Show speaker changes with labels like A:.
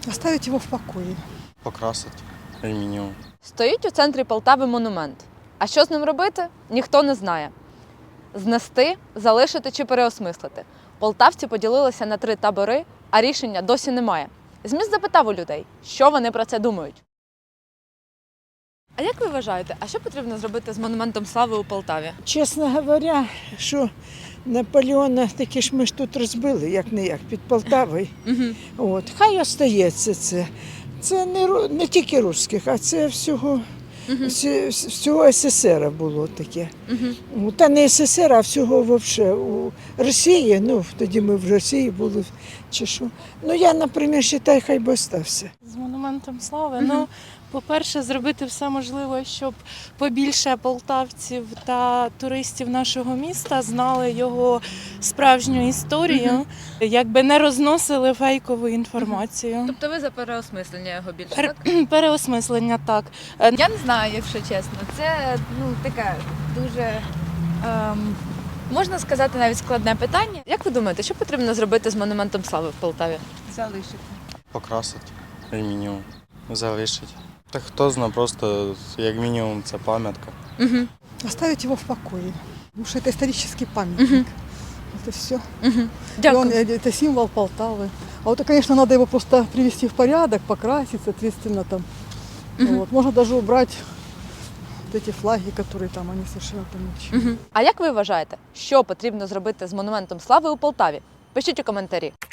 A: Оставить его в покое.
B: Покрасить алюмінієм.
C: Стоїть у центрі Полтави монумент. А що з ним робити, ніхто не знає. Знести, залишити чи переосмислити. Полтавці поділилися на 3 табори, а рішення досі немає. Зміст запитав у людей, що вони про це думають. А як ви вважаєте, а що потрібно зробити з монументом слави у Полтаві?
D: Чесно говоря, що Наполеона таки ж ми ж тут розбили, як не як, під Полтавою. От. Хай остається це. Це не тільки русських, а це всього СССР було таке. Та не СССР, а всього взагалі. У Росії, тоді ми в Росії були, чи що. Я, наприклад, вважаю, хай би остався.
E: З монументом слави. По-перше, зробити все можливе, щоб побільше полтавців та туристів нашого міста знали його справжню історію, якби не розносили фейкову інформацію.
C: Тобто ви за переосмислення його більше, так?
E: Переосмислення, так.
F: Я не знаю, якщо чесно. Це таке дуже, можна сказати, навіть складне питання.
C: Як ви думаєте, що потрібно зробити з монументом слави в Полтаві?
F: Залишити.
B: Покрасить алюмінієм. Залишить. Та хто знає, просто як мінімум це пам'ятка.
A: Оставить его в покое. Потому что это исторический памятник. Это все.
C: Дякую.
A: Это символ Полтавы. А вот, конечно, надо его просто привести в порядок, покрасить, соответственно, там. Вот. Можно даже убрать вот эти флаги, которые там, они совершенно там ни к чему.
C: А як ви вважаєте, що потрібно зробити з монументом слави у Полтаві? Пишіть у коментарі.